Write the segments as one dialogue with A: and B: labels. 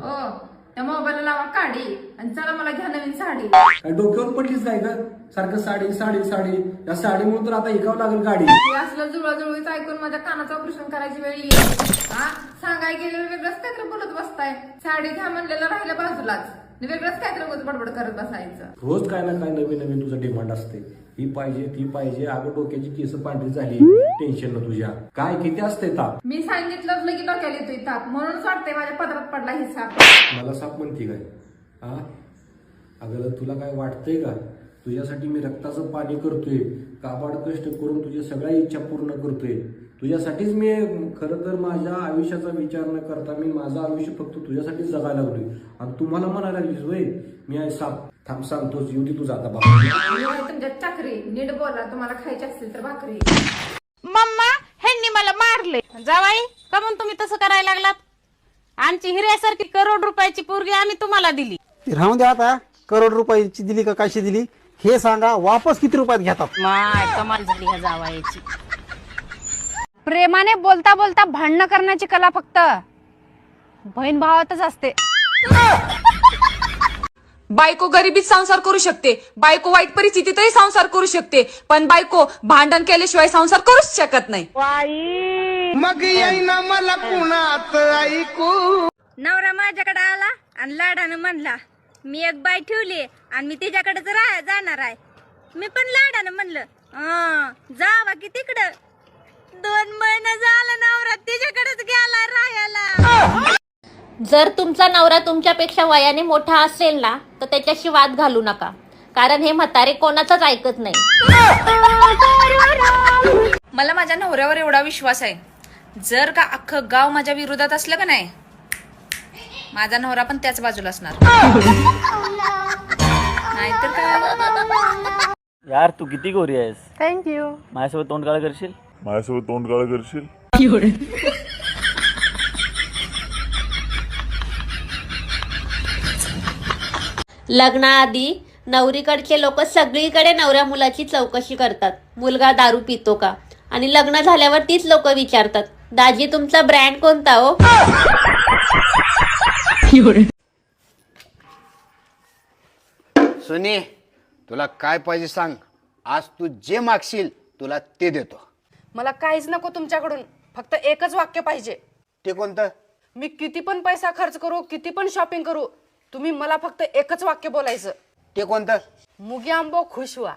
A: ओ त्या मोबाईलला लावा काढी आणि चला मला घ्या नवीन साडी.
B: काय डोक्यावर पडलीच काय का? सारखं साडी साडी साडी, या साडीमुळे तर आता ऐकावं लागेल गाडी.
A: हे असलं जुळवाजुळवीच ऐकून माझ्या कानाचं ऑपरेशन करायची वेळ येईल. हा सांगाय गेलेलं वेगळंच काहीतरी बोलत बसताय. साडी घ्या म्हणलेलं राहिलं बाजूलाच, वेगळंच काहीतरी उगाच बडबड करत बसायचं.
B: रोज काय ना काय नवीन नवीन तुझं डिमांड असते. ही पाहिजे ती पाहिजे. अगं डोक्याची केस पांढरी झाली टेन्शन न तुझ्या. काय किती असते ताप?
A: मी सांगितलं की डोक्याला येतोय ताप, म्हणूनच वाटतंय माझ्या पदरात पडला ही साप.
B: मला साप म्हणते काय? हा अगं तुला काय वाटतंय का? तुझ्यासाठी मी रक्ताचं पाणी करतोय, काबाड कष्ट करून तुझ्या सगळ्या इच्छा पूर्ण करतोय. तुझ्यासाठीच मी खरं तर माझ्या आयुष्याचा विचार न करता मी माझं आयुष्य फक्त तुझ्यासाठीच जगायला लागलोय. आणि तुम्हाला म्हणायला लागलीस वय मी आहे साप. थांब सांगतोच, येऊ दे तुझा आता बाबा.
A: तुमच्या चाकरी नीट बोला, तुम्हाला खायची असतील तर भाकरी.
C: मम्मा ह्यांनी मला मारले. जावाई का म्हणून तुम्ही तसं करायला लागलात? आमची हिऱ्यासारखी करोड रुपयाची पोरगी आम्ही तुम्हाला दिली.
D: राहून द्या आता. करोड रुपयाची दिली का कशी दिली हे सांगा. वापस किती रुपयात घेतात?
C: माय कमाल झाली ह्या जावाईची.
E: प्रेमाने बोलता बोलता भांडणं करण्याची कला फक्त बहीण भावातच असते.
F: बायको गरिबीत संसार करू शकते, बायको वाईट परिस्थितीतही संसार करू शकते, पण बायको भांडण केल्याशिवाय संसार करूच शकत नाही.
G: मग येईना मला कुणात ऐकू.
E: नवरा माझ्याकडे आला आणि लाडानं म्हणला मी एक बाई ठेवली आणि मी तिच्याकडेच जाणार आहे. मी पण लाडानं म्हणलं जावा की तिकडं. 2 महिने झालं नवरा तिच्याकडेच गेला राहायला.
H: जर तुमचा नवरा तुमच्यापेक्षा वयाने मोठा असेल ना तर त्याच्याशी वाद घालू नका, कारण हे म्हातारे कोणाचंच ऐकत नाही.
F: मला माझ्या नवऱ्यावर एवढा विश्वास आहे, जर का अख्खं गाव माझ्या विरोधात असलं का नाही, माझा नवरा पण त्याच बाजूला असणार. नाहीतर काय.
I: यार तू किती गोरी आहेस.
E: थँक्यू.
I: माझ्यासोबत तोंड काळ करशील?
J: माझ्यासोबत तोंड काळ करशील?
H: लग्नाआधी नवरीकडचे लोक सगळीकडे नवऱ्या मुलाची चौकशी करतात, मुलगा दारू पितो का, आणि लग्न झाल्यावर तीच लोक विचारतात दाजी तुमचा ब्रँड कोणता हो.
G: सुनी तुला काय पाहिजे सांग. आज तू जे मागशील तुला ते देतो.
C: मला काहीच नको तुमच्याकडून, फक्त एकच वाक्य पाहिजे.
G: ते कोणतं?
C: मी किती पण पैसा खर्च करू, किती पण शॉपिंग करू, तुम्ही मला फक्त एकच वाक्य बोलायचं.
G: ते कोणतं?
C: मुगी आंबो खुश व्हा.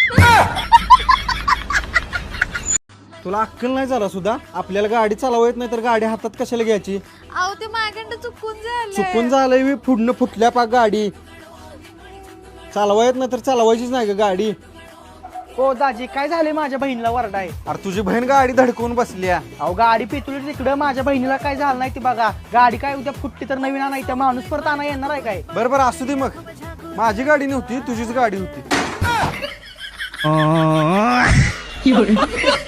D: तुला अक्कल नाही झाला सुद्धा. आपल्याला गाडी चालवा येत नाही तर गाडी हातात कशाला घ्यायची?
E: अहो ते माझ्याकडं चुकून
D: चुकून झालंय मी. फुडणं फुटल्या पाक गाडी. चालवा येत नाही तर चालवायचीच नाही का गाडी?
K: हो दाजी काय झाले? माझ्या बहिणीला वरडाय.
D: अरे तुझी बहीण गाडी धडकवून बसल्या.
K: अहो गाडी पितुली तिकडं, माझ्या बहिणीला काय झालं नाही ती बघा. गाडी काय उद्या फुटली तर नवीन आणाय, त्या माणूस परत आणा येणार आहे काय?
D: बरं बरं असू दे मग. माझी गाडी नव्हती तुझीच गाडी होती.